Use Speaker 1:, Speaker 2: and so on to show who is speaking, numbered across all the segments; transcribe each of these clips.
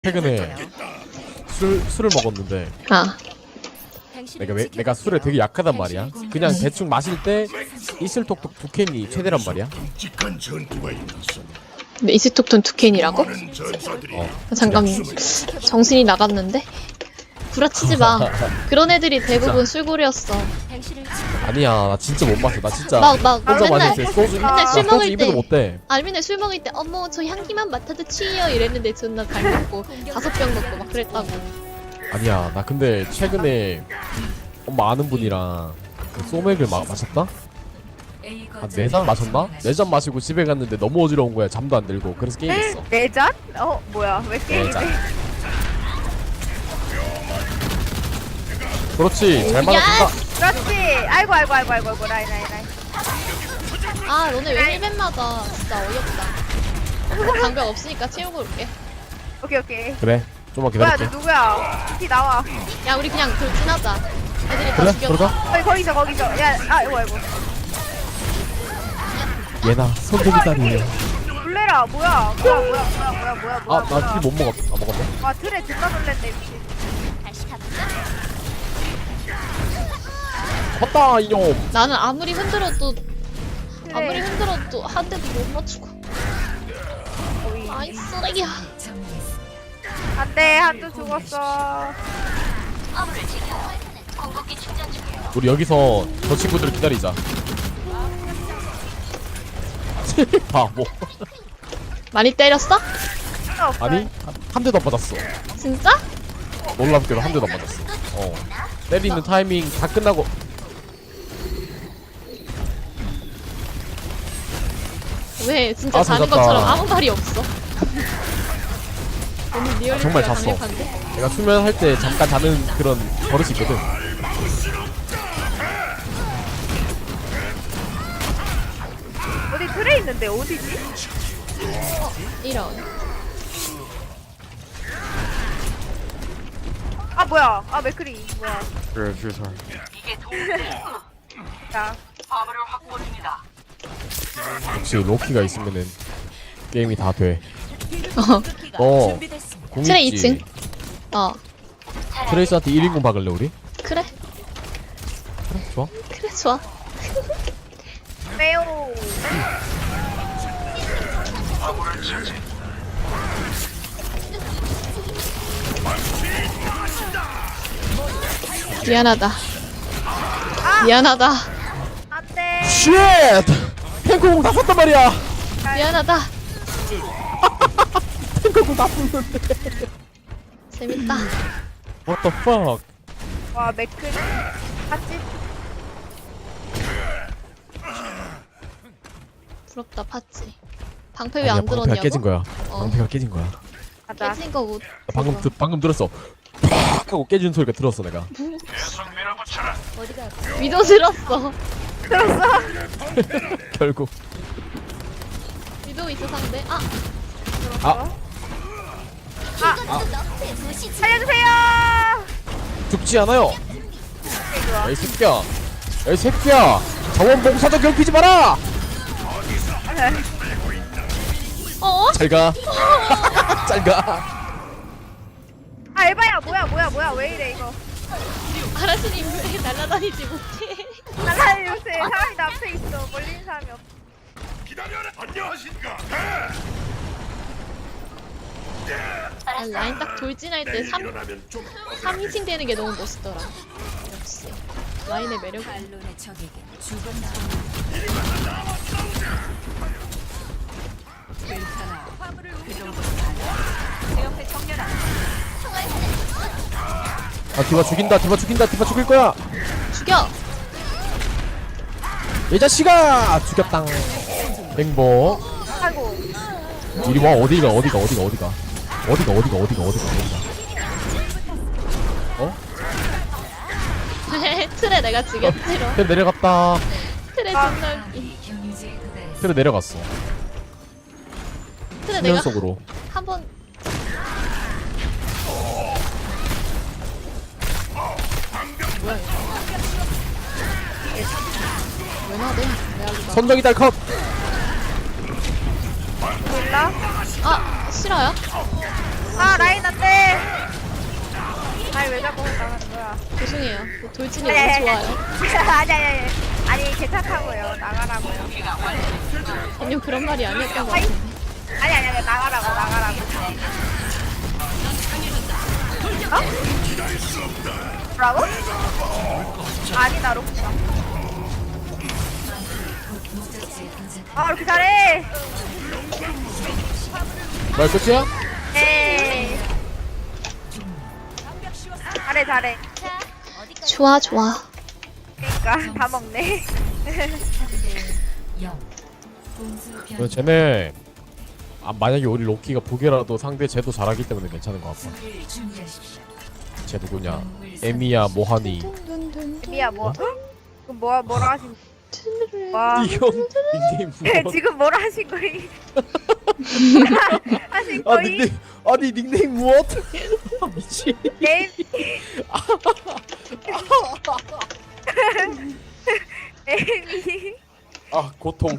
Speaker 1: 최근에 술을 먹었는데
Speaker 2: 아,
Speaker 1: 내가 술에 되게 약하단 말이야. 그냥 대충 마실 때 이슬톡톡 두 캔이 최대란 말이야.
Speaker 3: 끔찍한 전투가 일어났어.
Speaker 2: 근데 이스톡톤 두 캔이라고?
Speaker 3: 많은 전사들이
Speaker 2: 잠깐 정신이 나갔는데? 구라치지 마. 그런 애들이 대부분 술고래였어.
Speaker 1: 아니야, 나 진짜 못 마셔. 나 진짜
Speaker 2: 나
Speaker 1: 혼자
Speaker 2: 맨날
Speaker 1: 마실 때 소주
Speaker 2: 맨날 술
Speaker 1: 소주
Speaker 2: 먹을
Speaker 1: 입에도
Speaker 2: 때
Speaker 1: 못 대.
Speaker 2: 맨날 술 먹을 때 어머 저 향기만 맡아도 취해요 이랬는데 존나 잘 먹고 5병 먹고 막 그랬다고.
Speaker 1: 아니야, 나 근데 최근에 엄마 아는 분이랑 그 소맥을 마셨다? 한 4잔 마셨나? 4잔 마시고 집에 갔는데 너무 어지러운 거야. 잠도 안 들고. 그래서 게임했어.
Speaker 4: 네 잔? 뭐야 왜 게임해?
Speaker 1: 4잔. 그렇지, 잘 마셨다.
Speaker 4: 그렇지. 아이고 라인.
Speaker 2: 아 너네 왜 힐벤 맞아. 진짜 어이없다. 장벽 없으니까 채우고 올게.
Speaker 4: 오케이.
Speaker 1: 그래, 좀만
Speaker 4: 뭐야
Speaker 1: 기다릴게.
Speaker 4: 너 누구야? 티 나와.
Speaker 2: 야 우리 그냥 돌진하자. 애들이 다
Speaker 1: 그래,
Speaker 2: 죽였다.
Speaker 1: 그러자.
Speaker 4: 거기서. 야, 아이고.
Speaker 1: 얘나 손톱이 딸이에요.
Speaker 4: 놀래라. 뭐야?
Speaker 1: 아, 나 킬 못 먹었다. 아, 먹었네.
Speaker 4: 와 틀에 존나 놀랬네 미친.
Speaker 1: 컸다 이놈.
Speaker 2: 나는 아무리 흔들어도
Speaker 4: 틀에.
Speaker 2: 한 대도 못 맞추고. 아이 쓰레기야.
Speaker 4: 안돼 한두 죽었어.
Speaker 1: 우리 여기서 저 친구들 기다리자. 바보.
Speaker 2: 많이 때렸어?
Speaker 1: 아니, 한 대도 안 맞았어.
Speaker 2: 진짜?
Speaker 1: 놀랍게도 한 대도 안 맞았어. 때리는 타이밍 다 끝나고.
Speaker 2: 왜 진짜
Speaker 1: 아,
Speaker 2: 자는
Speaker 1: 잤다.
Speaker 2: 것처럼 아무 말이 없어. 오늘 리얼리티가
Speaker 1: 정말 잤어.
Speaker 2: 강력한데?
Speaker 1: 내가 수면할 때 잠깐 자는 그런 버릇이 있거든.
Speaker 4: 어디 틀에 있는데 어디지?
Speaker 2: 이런.
Speaker 4: 아 뭐야? 아 맥크리 뭐야?
Speaker 1: 그래, 주사.
Speaker 4: 자
Speaker 1: 역시 로키가 있으면은 게임이 다 돼.
Speaker 2: 어.
Speaker 1: 너 공
Speaker 2: 트레
Speaker 1: 있지?
Speaker 2: 2층. 어.
Speaker 1: 트레이스한테 1인공 박을래 우리?
Speaker 2: 그래.
Speaker 1: 그래, 좋아.
Speaker 2: 그래 좋아.
Speaker 4: 매우.
Speaker 2: 미안하다. 미안하다.
Speaker 4: 안돼.
Speaker 1: 쉣! 탱크공 다 썼단 말이야.
Speaker 2: 미안하다.
Speaker 1: 탱크공 다 썼는데.
Speaker 2: 재밌다.
Speaker 1: What the fuck?
Speaker 4: 와 맥크리. 같이.
Speaker 2: 부럽다 팠지. 방패 왜
Speaker 1: 아니야,
Speaker 2: 안
Speaker 1: 방패가
Speaker 2: 들었냐고?
Speaker 1: 깨진 거야.
Speaker 2: 어.
Speaker 1: 방패가 깨진 거야.
Speaker 4: 가자.
Speaker 2: 깨진 거 못.
Speaker 1: 방금 들었어. 팍 하고 깨진 소리가 들었어 내가.
Speaker 2: 위도 들었어.
Speaker 4: 들었어?
Speaker 1: 결국.
Speaker 2: 위도 있어 상대. 아.
Speaker 4: 살려주세요.
Speaker 1: 죽지 않아요.
Speaker 4: 좋아.
Speaker 1: 이 새끼야. 이 새끼야. 자원봉사자 괴롭히지 마라.
Speaker 2: 어?
Speaker 1: 잘 가. 잘 가.
Speaker 4: 아 에바야 뭐야 왜 이래 이거.
Speaker 2: 아라스님 왜 날아다니지 못해?
Speaker 4: 나가요 요새 사람이 나 앞에 있어. 멀리 있는 사람이 없어.
Speaker 3: 기다려라. 안녕하십니까?
Speaker 2: 아, 라인 딱 돌진할 때 3인칭 되는 게 너무 멋있더라. 역시 라인의 매력이.
Speaker 1: 아, 디바 죽인다. 디바 죽일 거야.
Speaker 2: 죽여.
Speaker 1: 이 자식아. 죽였당. 행복.
Speaker 4: 아이고.
Speaker 1: 이리 와. 어디가. 어?
Speaker 2: 틀에 내가 죽였지로.
Speaker 1: 트레 내려갔다.
Speaker 2: 틀에 존나 웃기.
Speaker 1: 트레 내려갔어.
Speaker 2: 틀에
Speaker 1: 수면
Speaker 2: 내가
Speaker 1: 속으로.
Speaker 2: 한번. 뭐야 이거? 왜 나대? 내가 이거.
Speaker 1: 선정이 달컵.
Speaker 4: 몰라?
Speaker 2: 아 싫어요?
Speaker 4: 아 라인 나 왜 자꾸 나가는 거야?
Speaker 2: 죄송해요. 돌진이
Speaker 4: 아니,
Speaker 2: 너무
Speaker 4: 아니,
Speaker 2: 좋아요.
Speaker 4: 아니. 아니 괜찮다고요. 나가라고요.
Speaker 2: 아니요 그런 말이 아니었던 것
Speaker 4: 아이.
Speaker 2: 같은데.
Speaker 4: 아니 나가라고. 어? 뭐라고? 아니 나 로크다. 아 이렇게 잘해.
Speaker 1: 말 끝이야?
Speaker 4: 에이. 잘해.
Speaker 2: 좋아.
Speaker 4: 그러니까 다 먹네.
Speaker 1: 근데 쟤네 만약에 우리 로키가 보게라도 상대 쟤도 잘하기 때문에 괜찮은 것 같아. 쟤 누구냐? 에미야 모하니.
Speaker 4: 미야 뭐? 그럼 뭐라 하신? 와.
Speaker 1: 이거 닉네임 무엇?
Speaker 4: 지금 뭐라 하신 거이? 하신
Speaker 1: 아
Speaker 4: 거이?
Speaker 1: 닉네임 아니 닉네임 무엇? 미친.
Speaker 4: 에미.
Speaker 1: 아 고통.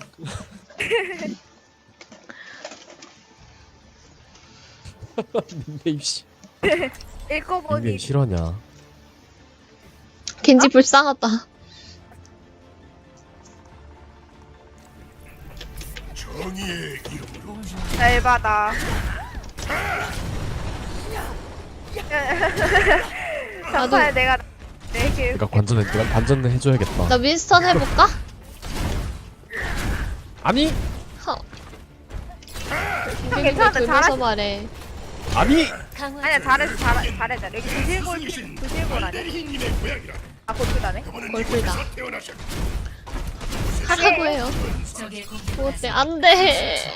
Speaker 1: 닉네임 씨.
Speaker 4: 읽고 보니
Speaker 1: 닉네임 실화냐?
Speaker 2: 겐지 불쌍하다.
Speaker 3: 정의의 이름으로
Speaker 4: 잘 받아. 정말 내가 내길
Speaker 1: 내가 관전을 해줘야겠다.
Speaker 2: 나 윈스턴 해볼까?
Speaker 1: 아니
Speaker 2: 허.
Speaker 4: 괜찮아,
Speaker 2: 돌면서
Speaker 4: 잘하시-
Speaker 2: 말해.
Speaker 1: 아니
Speaker 4: 아니야 잘해 여기 두실골 아니야?
Speaker 3: 대리님의 고향이라
Speaker 4: 아 골프다네.
Speaker 2: 골프다.
Speaker 3: 태어나셨.
Speaker 2: 하라고 해요. 뭐 어때? 안 돼.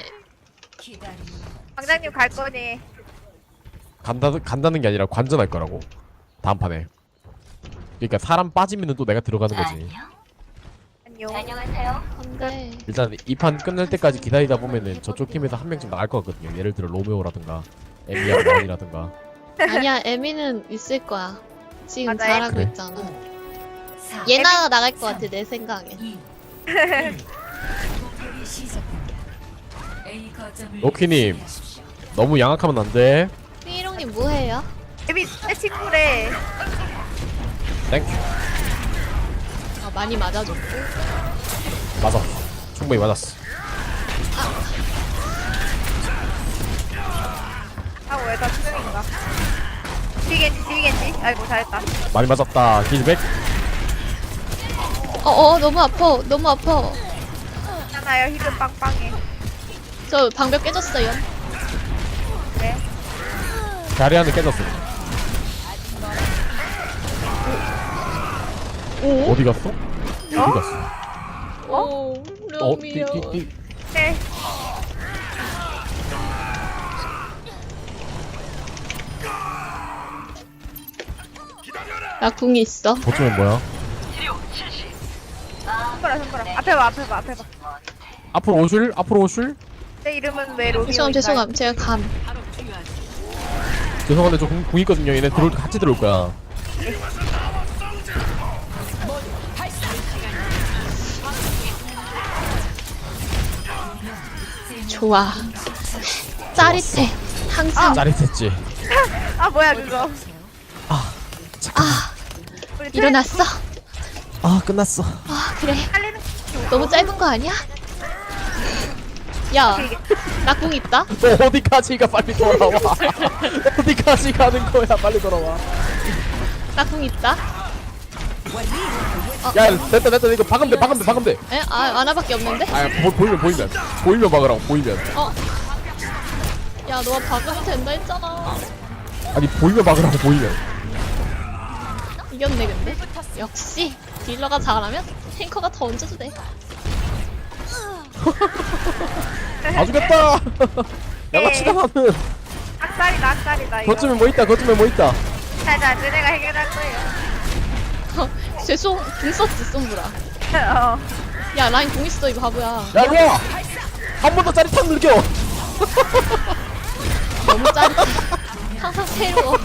Speaker 4: 방장님 갈 거니?
Speaker 1: 간다는 게 아니라 관전할 거라고. 다음 판에. 그러니까 사람 빠지면은 또 내가 들어가는 거지.
Speaker 4: 안녕.
Speaker 2: 안 돼.
Speaker 1: 일단 이 판 끝날 때까지 기다리다 보면은 저쪽 팀에서 한 명쯤 나갈 것 같거든요. 예를 들어 로메오라든가 에미야 모한이라든가.
Speaker 2: 아니야, 에미는 있을 거야. 지금
Speaker 4: 맞아,
Speaker 2: 잘하고
Speaker 1: 그래?
Speaker 2: 있잖아. 예나가 나갈 것 같아, 내 생각에.
Speaker 1: 로키님 너무 양악하면 안 돼.
Speaker 2: 삐롱님 뭐해요?
Speaker 4: 에미 내 친구래.
Speaker 1: 땡큐.
Speaker 2: 아, 많이 맞아줬고.
Speaker 1: 맞아. 충분히 맞았어.
Speaker 4: 아 왜다 수능인가? 뒤겐지. 아이고 잘했다.
Speaker 1: 많이 맞았다. 힐백.
Speaker 2: 너무 아파. 너무 아파.
Speaker 4: 하나요 히든 빵빵해.
Speaker 2: 저 방벽 깨졌어요.
Speaker 4: 네.
Speaker 1: 자리안을 깨졌어.
Speaker 2: 오?
Speaker 1: 어디 갔어? 어디 갔어?
Speaker 2: 오, 럼이요.
Speaker 4: 네.
Speaker 2: 나 궁이 있어.
Speaker 1: 보통은 뭐야?
Speaker 4: 손가락. 앞에 봐.
Speaker 1: 앞으로 오실? 앞으로 오실?
Speaker 4: 내 이름은 왜 로미오?
Speaker 2: 죄송함. 제가 감.
Speaker 1: 죄송한데 저 궁 있거든요. 얘네 같이 들어올 거야.
Speaker 2: 좋아. 짜릿해. 항상.
Speaker 1: 짜릿했지.
Speaker 4: 아 뭐야 그거? 우리
Speaker 2: 일어났어?
Speaker 1: 아 끝났어.
Speaker 2: 아, 그래.
Speaker 4: 살리는
Speaker 2: 너무 짧은 거 아니야? 야, 나 궁 있다?
Speaker 1: 너 어디까지 가 빨리 돌아와. 어디까지 가는 거야 빨리 돌아와.
Speaker 2: 나 궁 있다?
Speaker 1: 야 됐다 이거 박으면 돼.
Speaker 2: 에? 아, 아나밖에 없는데?
Speaker 1: 아 보이면 박으라고 보이면.
Speaker 2: 야, 너가 박으면 된다 했잖아.
Speaker 1: 아니 보이면 박으라고 보이면.
Speaker 2: 이겼네, 근데. 역시, 딜러가 잘하면 탱커가 더 얹어도 돼.
Speaker 1: 다 죽였다. 양아치다 나는.
Speaker 4: 악살이다 이거.
Speaker 1: 거쯤에 뭐 있다.
Speaker 4: 자 너네가 해결할 거예요.
Speaker 2: 죄송, 궁 썼지, 솜브라.
Speaker 4: 어.
Speaker 2: 야, 라인 궁 있어, 이거 바보야.
Speaker 1: 야 일로와. 한 번 더 짜릿함 느껴.
Speaker 2: 너무 짜릿해. 항상 새로워.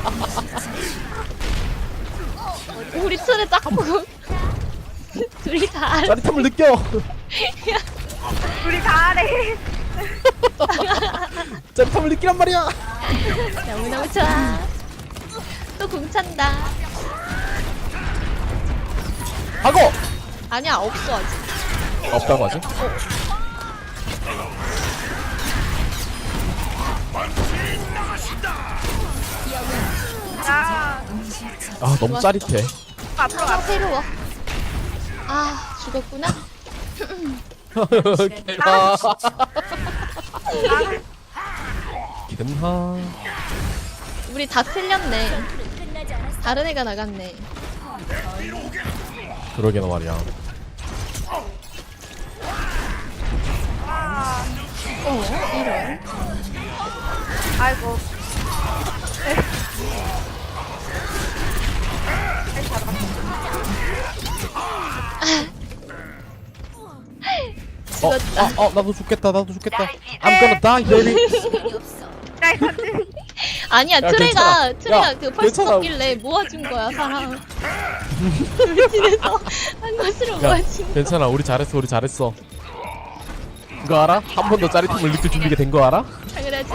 Speaker 2: 우리 틀에 짝꿍. 둘이 다 알아.
Speaker 1: 짜릿함을 느껴.
Speaker 4: 우리 다 하래.
Speaker 1: 짜릿함을 느끼란 말이야.
Speaker 2: 너무너무 좋아. 또 궁찬다.
Speaker 1: 하고
Speaker 2: 아니야 없어 아직.
Speaker 1: 없다고 하지?
Speaker 4: 야
Speaker 1: 아 너무 짜릿해.
Speaker 4: 앞으로
Speaker 2: 아 새로워. 아 죽었구나.
Speaker 1: 개나. 기름하.
Speaker 2: 우리 다 틀렸네. 다른 애가 나갔네.
Speaker 1: 그러게나 말이야.
Speaker 2: 이런.
Speaker 4: 아이고
Speaker 2: 죽었다.
Speaker 1: 나도 죽겠다. 나도 죽겠다. I'm gonna die, baby.
Speaker 4: 라이컨드
Speaker 2: 아니야
Speaker 1: 야,
Speaker 2: 트레가
Speaker 1: 괜찮아. 야,
Speaker 2: 그 펄스
Speaker 1: 괜찮아.
Speaker 2: 섞길래 모아준 거야 사람. 우리 집에서 한 것으로
Speaker 1: 야,
Speaker 2: 모아준 거.
Speaker 1: 괜찮아. 우리 잘했어. 그거 알아? 한 번 더 짜릿함을 느낄 준비가 된 거 알아?
Speaker 2: 당연하지.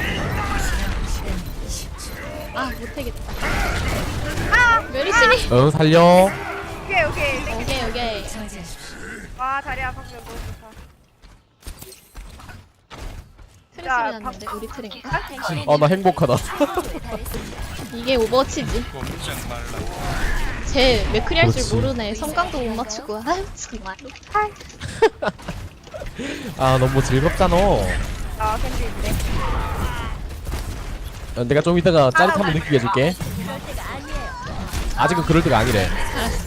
Speaker 2: 아 못하겠다. 메르시니.
Speaker 1: 응, 살려.
Speaker 4: 오케이 와 다리야 방금 너무 좋다
Speaker 2: 트레
Speaker 4: 야,
Speaker 2: 소리 났는데 우리 트레인가?
Speaker 1: 나 행복하다.
Speaker 2: 이게 오버워치지. 쟤 맥크리 할 줄
Speaker 1: 그렇지.
Speaker 2: 모르네. 성강도 못 맞추고. 아유 정말.
Speaker 1: 너무 즐겁잖아.
Speaker 4: 캔디 있네
Speaker 1: 내가 좀 이따가 짜릿함을 느끼게 해줄게. 아직은 그럴 때가 아니래.
Speaker 2: 알았어.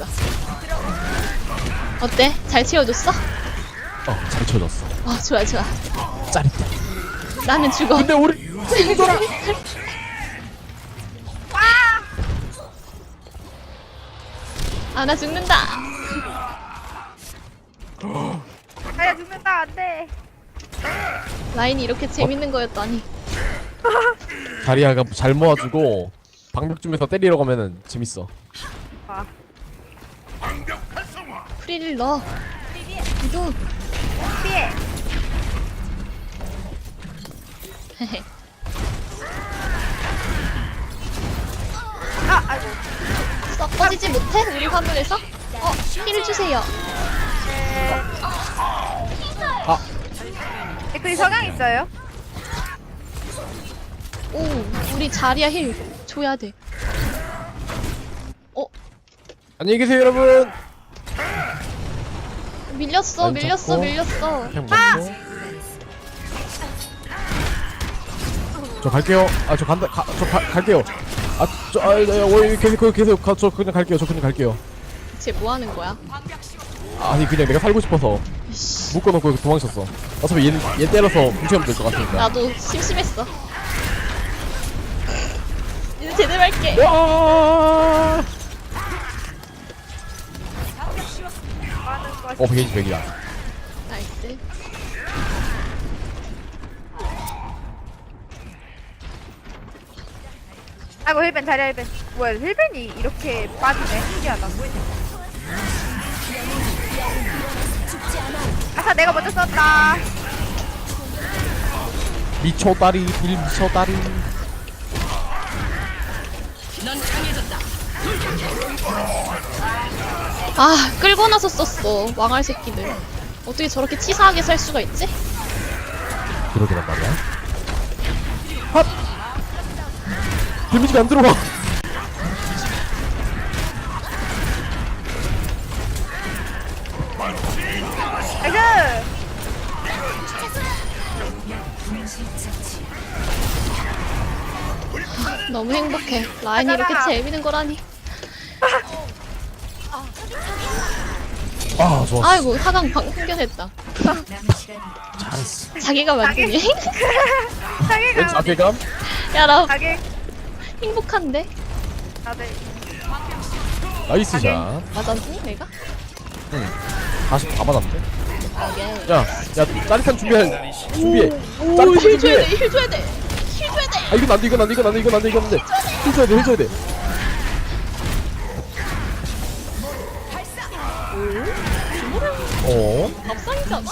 Speaker 2: 어때? 잘 채워줬어?
Speaker 1: 잘 쳐줬어.
Speaker 2: 좋아 좋아.
Speaker 1: 짜릿해.
Speaker 2: 나는 죽어.
Speaker 1: 근데 우리 친구들아.
Speaker 2: 나 죽는다.
Speaker 4: 다리야 죽는다 안돼
Speaker 2: 라인이 이렇게 재밌는 거였다니.
Speaker 1: 다리아가 잘 모아주고 방벽 중에서 때리러 가면은 재밌어.
Speaker 2: 프리를 넣어. 이도.
Speaker 4: 피해 아이고
Speaker 2: 썩어지지 못해? 우리 화물에서? 힐을 주세요.
Speaker 4: 댓글이 성향 있어요?
Speaker 2: 오, 우리 자리야 힐 줘야 돼.
Speaker 1: 안녕히 계세요, 여러분.
Speaker 2: 밀렸어,
Speaker 1: 라인
Speaker 2: 밀렸어,
Speaker 1: 잡고.
Speaker 2: 밀렸어.
Speaker 1: 그냥 먹고. 저 갈게요. 저 간다. 갈게요. 계세요. 저 그냥 갈게요.
Speaker 2: 쟤 뭐 하는 거야?
Speaker 1: 아니 그냥 내가 살고 싶어서
Speaker 2: 이씨,
Speaker 1: 묶어놓고 도망쳤어. 어차피 얘 때려서 뭉치면 될 것 같으니까.
Speaker 2: 나도 심심했어. 이제 제대로 할게.
Speaker 1: 와!
Speaker 4: 많은 거
Speaker 1: 베이지 100이야.
Speaker 2: 나이스.
Speaker 4: 아이고 힐벤 다리야 힐벤 뭐야 힐벤이 이렇게 빠지네 신기하다 아까 내가 먼저 썼다
Speaker 1: 미쳐다리, bil 미쳐다리.
Speaker 2: 끌고 나서 썼어. 왕할 새끼들. 어떻게 저렇게 치사하게 살 수가 있지?
Speaker 1: 그러게란 말이야. 핫! 데미지가 안 들어와.
Speaker 4: 나이스
Speaker 2: 너무 행복해. 라인이 이렇게 재밌는 거라니.
Speaker 1: 좋았어.
Speaker 2: 아이고, 하강 흥겨냈다.
Speaker 1: 잘했어.
Speaker 2: 자기가 만드니?
Speaker 1: 왠
Speaker 4: 자기가
Speaker 1: 자괴감?
Speaker 2: 야, 나
Speaker 4: 자기
Speaker 2: 행복한데?
Speaker 4: 다들
Speaker 1: 나이스 샷.
Speaker 2: 맞았니, 내가?
Speaker 1: 응. 40 다 맞았는데?
Speaker 2: 오케이.
Speaker 1: 야, 짜릿한 준비해.
Speaker 2: 오,
Speaker 1: 짜릿한
Speaker 2: 힐 줘야
Speaker 1: 준비해.
Speaker 2: 돼, 힐 줘야 돼. 힐 줘야 돼.
Speaker 1: 이건 안 돼. 힐 줘야 돼.
Speaker 2: 밥상이잖아?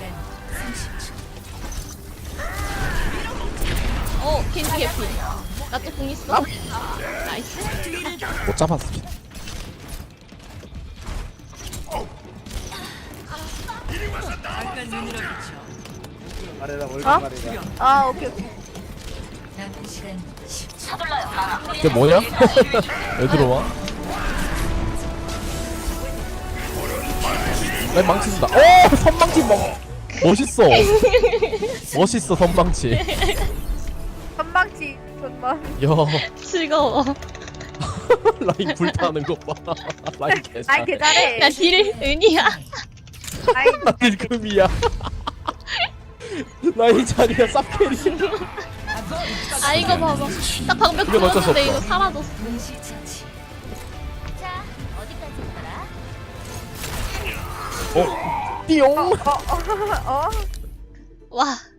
Speaker 2: 겐지 개피. 나 또 공 있어. 나이스.
Speaker 1: 못 잡았어.
Speaker 5: 말해라 월급
Speaker 4: 어?
Speaker 5: 말해라.
Speaker 4: 아 오케이 오케이.
Speaker 1: 이게 뭐냐? 왜 들어와? 난 망친다. 오! 선망치 멋있어. 멋있어 선망치.
Speaker 4: 선망치 존나.
Speaker 1: 야
Speaker 2: 즐거워.
Speaker 1: 라인 불타는 거 봐. 라인 개잘.
Speaker 4: 아이 개잘해.
Speaker 2: 야 딜 은이야.
Speaker 4: 아이
Speaker 1: 라인 금이야. 라인 자리야 쌉캐리.
Speaker 2: 아 이거 봐봐. 딱 방벽
Speaker 1: 이건 어쩔 수
Speaker 2: 들었는데 이거
Speaker 1: 없어.
Speaker 2: 사라졌어.
Speaker 1: 어? 띠용.
Speaker 4: 어.
Speaker 2: 와